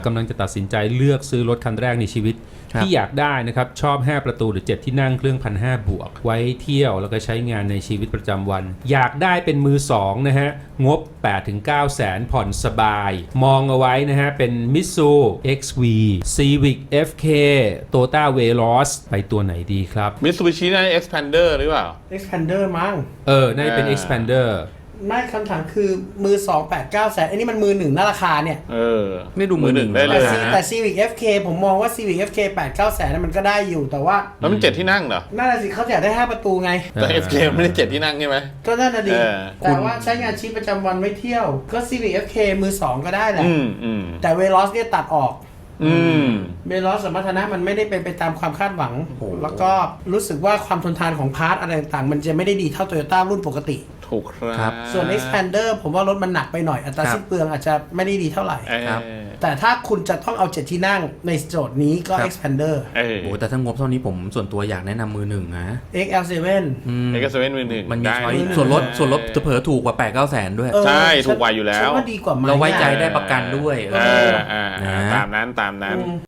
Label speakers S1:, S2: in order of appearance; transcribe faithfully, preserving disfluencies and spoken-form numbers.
S1: กำลังจะตัดสินใจเลือกซื้อรถคันแรกในชีวิตที่อยากได้นะครับชอบห้าประตูหรือเจ็ดที่นั่งเครื่อง หนึ่งพันห้าร้อย บวกไว้เที่ยวแล้วก็ใช้งานในชีวิตประจำวันอยากได้เป็นมือสองนะฮะงบ แปดถึงเก้า แสนผ่อนสบายมองเอาไว้นะฮะเป็น Mitsu เอ็กซ์ วี Civic เอฟ เค Toyota Veloz ไปตัวไหนดีครับ
S2: Mitsubishi นั่น Expander หรือเปล่า
S3: Expander มั้ง
S1: เออน่าจะเป็น Expander
S3: ไม่คำถามคือมือสองแปดเก้าแสนอันนี้มันมือหนึ่งน่าราคาเนี่ย
S2: เออ
S4: ไม่ดูมือหนึ่ง
S2: ได้เล
S3: แต่
S2: ย
S3: ซี
S2: นะ
S3: แต่ Civic เอฟ เค ผมมองว่า Civic เอฟ เค แปดเก้าแสนนั้นมันก็ได้อยู่แต่ว่า
S2: แล้วมันเจ็ดที่นั่งเหรอ
S3: น่าจะสิเขาอยากได้ห้าประตูไง
S2: แต่ เอฟ เค ไม่ได้เจ็ดที่นั่งใช่ไหม
S3: ก็น่าจะดี
S2: เออ
S3: แต่ว่าใช้งานชีวิตประจำวันไว้เที่ยวก็ Civic เอฟ เค มือสองก็ได้แหละ
S2: อืมอืม
S3: แต่ Veloz เนี่ยตัดออก
S2: อืม
S3: Veloz สมรรถนะมันไม่ได้เป็นไปตามความคาดหวัง แล้วก็รู้สึกว่าความทนทานของพาร์ทอะไรต่างๆมันจะไม่ได้ดีเท่า Toyota รุ่นปกติ
S2: ถูกครับ
S3: ส่วน Expander ผมว่ารถมันหนักไปหน่อยอัตราสิ้นเปลืองอาจจะไม่ได้ดีเท่าไหร่
S2: เออ
S4: ครับ
S3: แต่ถ้าคุณจะต้องเอาเจ็ดที่นั่งในโจทย์นี้ก็
S4: ครับ
S3: Expander
S2: เออ
S4: โอ้แต่ถ้างบเท่านี้ผมส่วนตัวอยากแนะนำมือหนึ่งนะ
S3: เอ็กซ์ แอล เซเว่น
S4: อืม
S2: เอกเซเว่นมือหนึ่ง
S4: มันมี
S2: ได้
S4: ช้อย
S2: นะ
S4: ส่วนลดส่วนลดเผลอๆถูกกว่าแปดเก้าแสนด้วย
S2: ใช่ถูกกว่าอยู่แล้ว
S3: ฉันว่าดีกว่าไหม
S4: เราไว้ใจได้ประกันด้วย
S2: เอออ่า
S4: นะ
S2: ตามนั้นตามนั้น